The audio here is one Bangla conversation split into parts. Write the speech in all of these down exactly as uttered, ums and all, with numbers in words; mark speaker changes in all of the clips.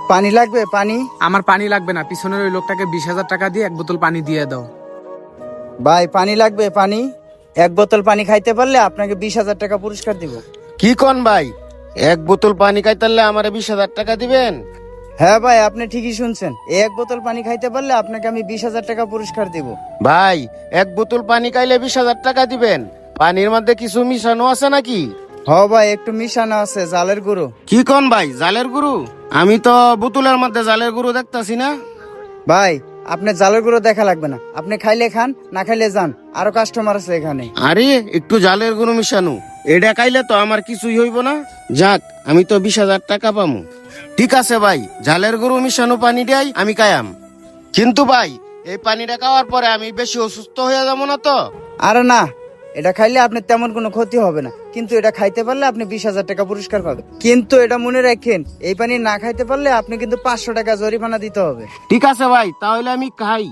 Speaker 1: পানি লাগবে? পানি?
Speaker 2: আমার পানি লাগবে না, পিছনের ওই লোকটাকে বিশ হাজার টাকা দিয়ে এক বোতল পানি দিয়ে দাও।
Speaker 1: ভাই পানি লাগবে? পানি এক বোতল পানি খাইতে পারলে আপনাকে বিশ হাজার টাকা পুরস্কার দিব।
Speaker 3: কি কোন ভাই, এক বোতল পানি খাইতালে আমারে বিশ হাজার টাকা দিবেন?
Speaker 1: হ্যাঁ ভাই, আপনি ঠিকই শুনছেন, এই এক বোতল পানি খাইতে পারলে আপনাকে আমি বিশ হাজার টাকা পুরস্কার দিব।
Speaker 3: ভাই এক বোতল পানি খাইলে বিশ হাজার টাকা দিবেন? পানির মধ্যে কিছু মিশানো আছে নাকি?
Speaker 1: হ ভাই, একটু মিশানো আছে, জালের গুঁড়ো।
Speaker 3: কি কোন ভাই, জালের গুরু? আমি তো বোতলের মধ্যে জালের গুরু দেখতাছি না।
Speaker 1: ভাই আপনি জালের গুঁড়ো দেখা লাগবে না, আপনি খাইলে খান, না খাইলে যান, আরো কাস্টমার আছে এখানে।
Speaker 3: আরে একটু জালের গুরু মিশানো, এটা খাইলে তো আমার কিছুই হইব না। যাক, আমি তো বিশ হাজার টাকা পামু। ঠিক আছে ভাই, জালের গরু মিশানো পানি দেয় আমি কায়াম। কিন্তু ভাই এই পানিটা খাওয়ার পরে আমি বেশি অসুস্থ হয়ে যাবো না তো?
Speaker 1: আরে না, এটা খাইলে আপনার তেমন কোনো ক্ষতি হবে না, কিন্তু এটা খাইতে পারলে আপনি বিশ হাজার টাকা পুরস্কার পাবেন। কিন্তু এটা মনে রাখেন, এই পানি না খাইতে পারলে আপনি কিন্তু পাঁচশো টাকা জরিমানা দিতে হবে।
Speaker 3: ঠিক আছে ভাই, তাহলে আমি খাই।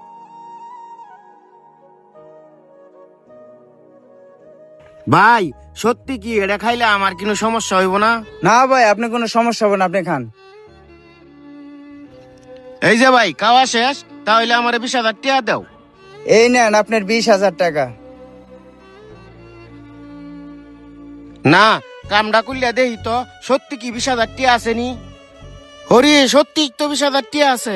Speaker 3: ভাই সত্যি কি এটা খাইলে আমার কোনো সমস্যা হইব না?
Speaker 1: না ভাই, আপনি কোনো সমস্যা হবে না, আপনি খান।
Speaker 3: এই যে ভাই খাওয়া শেষ, তাহলে আমার বিশ হাজার টাকা দাও।
Speaker 1: এই নেন আপনার বিশ হাজার টাকা।
Speaker 3: না, কামটা করলে দেখি তো সত্যি কি বিশ হাজার টাকা আসেনি। হরি সত্যি তো বিশ হাজার টাকা আছে।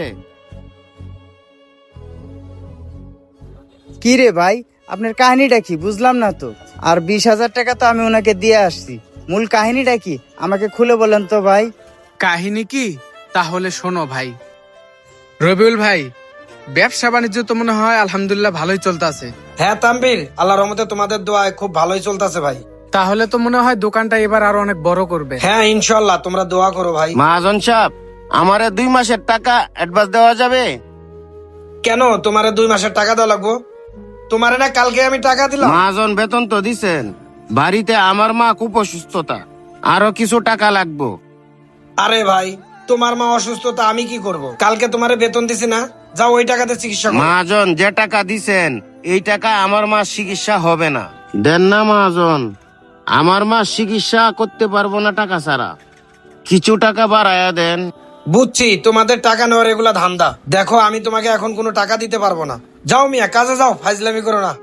Speaker 1: কি রে ভাই, আপনার কাহিনীটা কি বুঝলাম না তো। আর বিশ হাজার টাকা তো আমি ওনাকে দিয়ে আসছি, মূল কাহিনীটা কি আমাকে খুলে বলেন তো ভাই।
Speaker 2: কাহিনী কি? তাহলে শোনো ভাই। রবিউল ভাই, ব্যবসা বাণিজ্য তো মনে হয় আলহামদুলিল্লাহ ভালোই চলতেছে।
Speaker 4: হ্যাঁ তানভীর, আল্লাহর রহমতে তোমাদের দোয়ায় খুব ভালোই চলতেছে ভাই।
Speaker 2: তাহলে তো মনে হয় দোকানটা এবার আরো অনেক বড় করবে।
Speaker 4: হ্যাঁ ইনশাল্লাহ, তোমরা দোয়া করো ভাই।
Speaker 3: মহাজন সাহেব, আমারে দুই মাসের টাকা অ্যাডভান্স দেওয়া যাবে?
Speaker 4: কেন তোমারে দুই মাসের টাকা দেওয়া লাগবো? তোমারে না কালকে আমি টাকা দিলাম।
Speaker 3: মহাজন বেতন তো দিছেন, বাড়িতে আমার মা খুব অসুস্থতা, আরো কিছু টাকা লাগবো।
Speaker 4: আরে ভাই, তোমার মা অসুস্থতা আমি কি করব? কালকে তোমারে বেতন দিছি না, যাও ওই টাকাতে চিকিৎসা করো।
Speaker 3: মহাজন যে টাকা দিছেন এই টাকা আমার মা চিকিৎসা হবে না। দেন না মহাজন, আমার মা চিকিৎসা করতে পারবো না টাকা ছাড়া, কিছু টাকা বাড়ায়া দেন।
Speaker 4: বুঝছি তোমাদের টাকা নেওয়ার এগুলা ধান্দা। দেখো আমি তোমাকে এখন কোনো টাকা দিতে পারবো না। যাও মিয়া, কাজে যাও, ফাইজলামি করো না।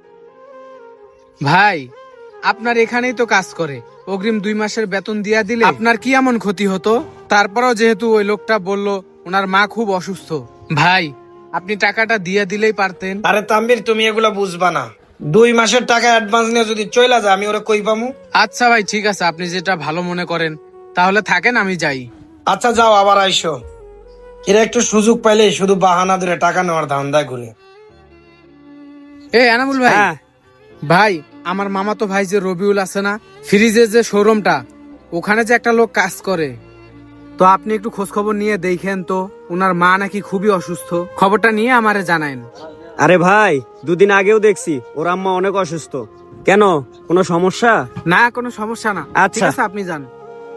Speaker 2: ভাই আপনার এখানেই তো কাজ করে, অগ্রিম দুই মাসের বেতন দিয়া দিলে আপনার কি এমন ক্ষতি হতো? তারপরেও যেহেতু ওই লোকটা বলল ওনার মা খুব অসুস্থ, ভাই আপনি টাকাটা দিয়ে দিলেই পারতেন।
Speaker 4: আরে তানভীর, তুমি এগুলা বুঝবা না। দুই মাসের টাকা অ্যাডভান্স নিয়ে যদি চইলা যায়, আমি ওরা কই পামু?
Speaker 2: আচ্ছা ভাই ঠিক আছে, আপনি যেটা ভালো মনে করেন, তাহলে থাকেন, আমি যাই।
Speaker 4: আচ্ছা যাও, আবার আইসো। এরা একটু সুযোগ পাইলে শুধু বাহানা ধরে টাকা নেওয়ার ধান্দায় ঘুরে।
Speaker 2: এ এনামুল ভাই, ভাই আমার মামাতো ভাই যে রবিউল আছে না, ফ্রিজের যে শোরুমটা, ওখানে যে একটা লোক কাজ করে, তো আপনি একটু খোঁজ খবর নিয়ে দেখেন তো, ওনার মা নাকি খুবই অসুস্থ, খবরটা নিয়ে আমারে জানায়েন।
Speaker 5: আরে ভাই, দুদিন আগেও দেখছি ওর আম্মা অনেক অসুস্থ। কেন, কোনো সমস্যা?
Speaker 2: না কোনো সমস্যা না, ঠিক
Speaker 5: আচ্ছা।
Speaker 2: আছে আপনি যান।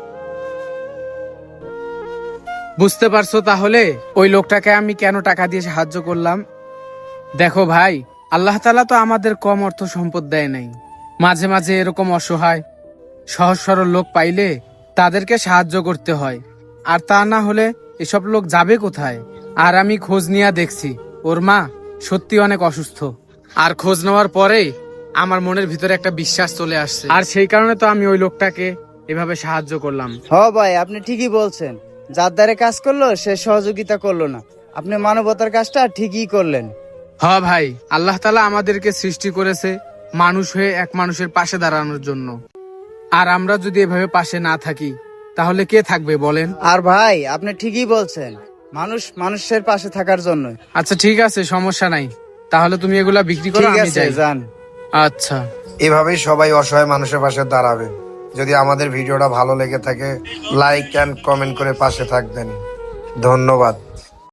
Speaker 2: বুঝতে পারছো তাহলে ওই লোকটাকে আমি কেন টাকা দিয়ে সাহায্য করলাম? দেখো ভাই, আল্লাহ তাআলা তো আমাদের কম অর্থ সম্পদ দেয় নাই, মাঝে মাঝে এরকম অসহায় সহজ সরল লোক পাইলে তাদেরকে সাহায্য করতে হয়, আর তা না হলে এসব লোক যাবে কোথায়? আর আমি খোঁজ নিয়ে দেখছি ওর মা সত্যি অনেক অসুস্থ, আর খোঁজ নেওয়ার পরে আমার মনের ভিতরে একটা বিশ্বাস চলে আসছে, আর সেই কারণে তো আমি ওই লোকটাকে এভাবে সাহায্য করলাম।
Speaker 1: হ ভাই, আপনি ঠিকই বলছেন, যার দ্বারে কাজ করলো সে সহযোগিতা করলো না, আপনি মানবতার কাজটা ঠিকই করলেন।
Speaker 2: হ ভাই, আল্লাহ তাআলা আমাদেরকে সৃষ্টি করেছে মানুষ হয়ে এক মানুষের পাশে দাঁড়ানোর জন্য, আর আমরা যদি এভাবে পাশে না থাকি তাহলে কে থাকবে বলেন?
Speaker 1: আর ভাই আপনি ঠিকই বলছেন, মানুষ মানুষের পাশে থাকার জন্য।
Speaker 2: আচ্ছা ঠিক আছে, সমস্যা নাই, তাহলে তুমি এগুলা বিক্রি করো,
Speaker 1: ঠিক
Speaker 2: আমি
Speaker 1: আছে,
Speaker 2: যাই।
Speaker 1: যান।
Speaker 2: আচ্ছা।
Speaker 6: এভাবেই সবাই অসহায় মানুষের পাশে দাঁড়াবে। যদি আমাদের ভিডিওটা ভালো লেগে থাকে, লাইক এন্ড কমেন্ট করে পাশে থাকবেন। ধন্যবাদ।